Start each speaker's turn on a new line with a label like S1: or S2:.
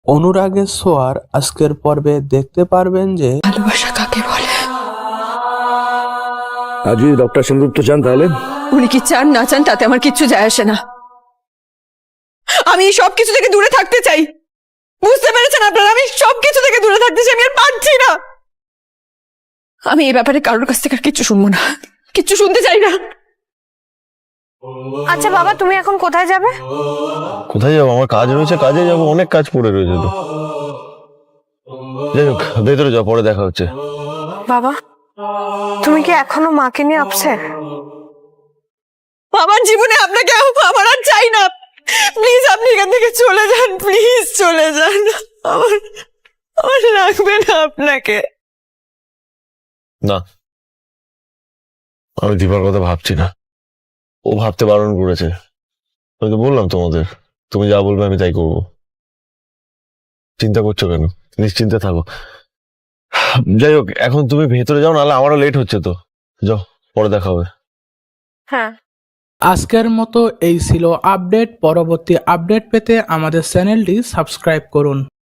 S1: অনুরাগের ছোঁয়ার আজকের পর্বে দেখতে পারবেন যে
S2: ভালোবাসা কাকে বলে।
S3: আর যদি ডক্টর সেনগুপ্ত চান তাহলে
S2: উনি কি চান না চান তাতে আমার কিচ্ছু যায় আসে না। আমি এই সবকিছু থেকে দূরে থাকতে চাই। বুঝতে পেরেছেন আপনারা? আমি সবকিছু থেকে দূরে থাকতে চাই। আমি আর পারছি না। আমি এই ব্যাপারে কারোর কাছ থেকে আর কিচ্ছু শুনবো না, কিচ্ছু শুনতে চাই না।
S4: আচ্ছা বাবা, তুমি এখন কোথায় যাবে?
S5: কোথায় যাবো? আমার কাজ রয়েছে, কাজে যাবো, অনেক কাজ পড়ে রয়েছে তো। যাই হোক, ভেতরে যাও, পরে দেখা হচ্ছে।
S4: বাবা, তুমি কি এখনো মাকে নিয়ে আপসেট?
S2: আমার জীবনে আপনাকে আমার আর চাই না। প্লিজ আপনি এখান থেকে চলে যান, প্লিজ চলে যান। আমার আমার লাগবে না আপনাকে।
S5: না, আমি দীপার কথা ভাবছি না। ও ভাবতে বারণ করেছে। আমি তো বললাম তোমাদের, তুমি যা বলবে আমি তাই করবো। চিন্তা করছো কেন? নিশ্চিন্তে থাকো। যাই হোক, এখন তুমি ভেতরে যাও, নাহলে আমারও লেট হচ্ছে তো। যাও, পরে দেখা হবে।
S4: হ্যাঁ।
S1: আজকের মতো এই ছিল আপডেট। পরবর্তী আপডেট পেতে আমাদের চ্যানেলটি সাবস্ক্রাইব করুন।